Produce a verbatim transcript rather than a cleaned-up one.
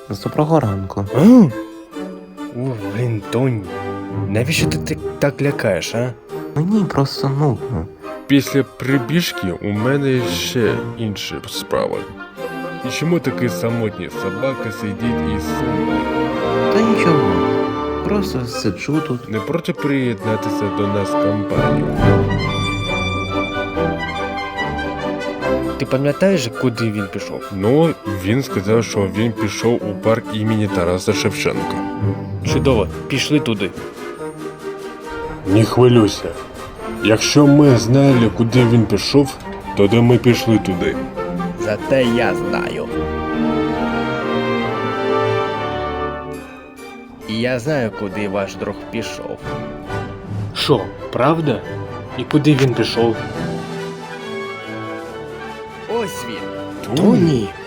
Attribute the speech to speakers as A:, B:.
A: З доброго ранку.
B: А? О, блін, Тоні, навіщо ти так, так лякаєш, а?
A: Мені просто нудно.
C: Після прибіжки у мене ще інші справи. І чому такий самотній собака сидить і сумує?
A: Та нічого. Просто сиджу тут.
C: Не проти приєднатися до нас в компанію.
B: Ти пам'ятаєш, куди він пішов?
C: Ну, він сказав, що він пішов у парк імені Тараса Шевченка.
B: Чудово, пішли туди.
C: Не хвилюйся. Якщо ми знали, куди він пішов, тоді ми пішли туди.
B: Зате я знаю. І я знаю, куди ваш друг пішов.
D: Що, правда? І куди він пішов?
B: Ось він.
C: Тоні?